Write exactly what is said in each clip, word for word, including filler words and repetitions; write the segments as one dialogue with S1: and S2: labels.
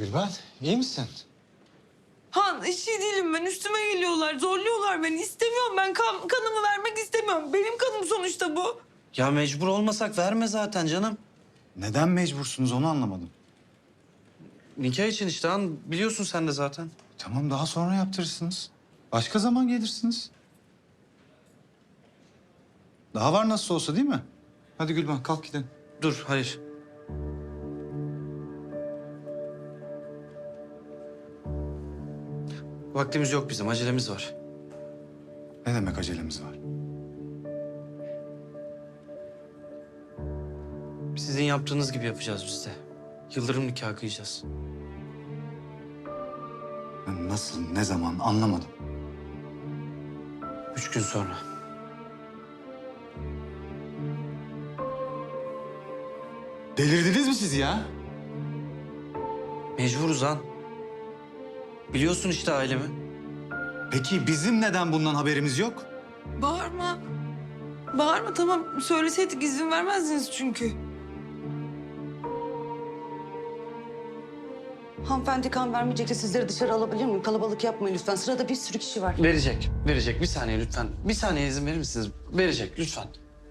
S1: Gülben, iyi misin?
S2: Han hiç iyi değilim ben. Üstüme geliyorlar, zorluyorlar beni. İstemiyorum ben kan, kanımı vermek istemiyorum. Benim kanım sonuçta bu.
S3: Ya mecbur olmasak verme zaten canım.
S1: Neden mecbursunuz onu anlamadım.
S3: Nikah için işte han biliyorsun sen de zaten.
S1: Tamam daha sonra yaptırırsınız. Başka zaman gelirsiniz. Daha var nasıl olsa değil mi? Hadi Gülben kalk gidelim.
S3: Dur hayır. Vaktimiz yok bizim, acelemiz var.
S1: Ne demek acelemiz var?
S3: Sizin yaptığınız gibi yapacağız biz de. Yıldırım nikahı kıyacağız.
S1: Ben nasıl, ne zaman anlamadım.
S3: Üç gün sonra.
S1: Delirdiniz mi siz ya?
S3: Mecburuz han. Biliyorsun işte ailemi.
S1: Peki bizim neden bundan haberimiz yok?
S2: Bağırma. Bağırma tamam. Söyleseydik izin vermezdiniz çünkü.
S4: Hanımefendi kan vermeyecekse sizleri dışarı alabilir miyim? Kalabalık yapmayın lütfen. Sırada bir sürü kişi var.
S3: Verecek, verecek. Bir saniye lütfen. Bir saniye izin verir misiniz? Verecek lütfen.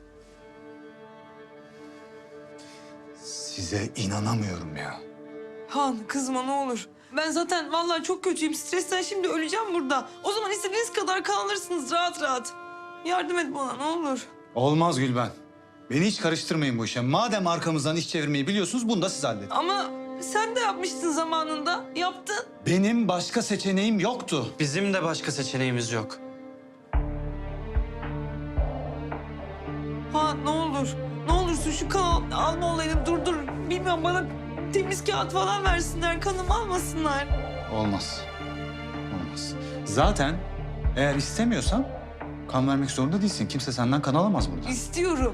S1: Size inanamıyorum ya.
S2: Han kızma ne olur. Ben zaten vallahi çok kötüyüm. Stresten şimdi öleceğim burada. O zaman istediğiniz kadar kan alırsınız rahat rahat. Yardım et bana ne olur.
S1: Olmaz Gülben. Beni hiç karıştırmayın bu işe. Madem arkamızdan iş çevirmeyi biliyorsunuz bunu da siz halledin.
S2: Ama sen de yapmıştın zamanında. Yaptın.
S1: Benim başka seçeneğim yoktu.
S3: Bizim de başka seçeneğimiz yok.
S2: Ha ne olur. Ne olursun şu kan alma olayını durdur. Bilmiyorum bana temiz kağıt falan versinler. Kanımı almasınlar.
S1: Olmaz. Olmaz. Zaten eğer istemiyorsan kan vermek zorunda değilsin. Kimse senden kan alamaz burada.
S2: İstiyorum.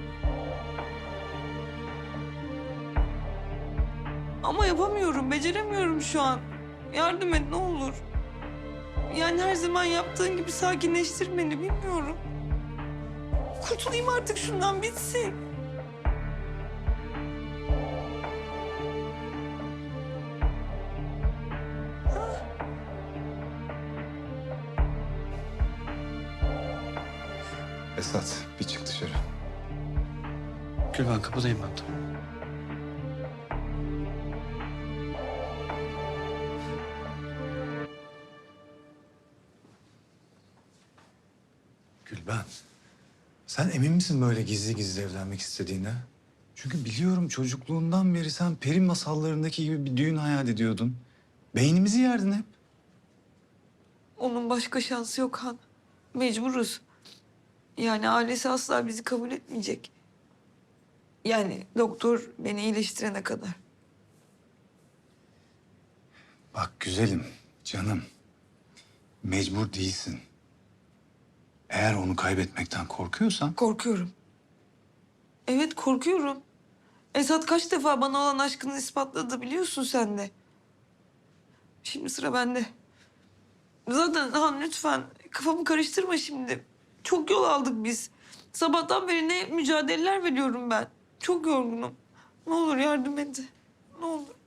S2: Ama yapamıyorum, beceremiyorum şu an. Yardım et ne olur. Yani her zaman yaptığın gibi sakinleştir beni, bilmiyorum. Kurtulayım artık şundan, bitsin.
S1: Esat bir çık dışarı.
S3: Gülben kapıdayım ben de.
S1: Gülben, sen emin misin böyle gizli gizli evlenmek istediğine? Çünkü biliyorum çocukluğundan beri sen peri masallarındaki gibi bir düğün hayal ediyordun. Beynimizi yerdin hep.
S2: Onun başka şansı yok Han. Mecburuz. Yani ailesi asla bizi kabul etmeyecek. Yani doktor beni iyileştirene kadar.
S1: Bak güzelim, canım. Mecbur değilsin. Eğer onu kaybetmekten korkuyorsan...
S2: Korkuyorum. Evet korkuyorum. Esat kaç defa bana olan aşkını ispatladı biliyorsun sen de. Şimdi sıra bende. Zaten Han lütfen kafamı karıştırma şimdi. Çok yol aldık biz. Sabahtan beri ne mücadeleler veriyorum ben. Çok yorgunum. Ne olur yardım et. Ne olur.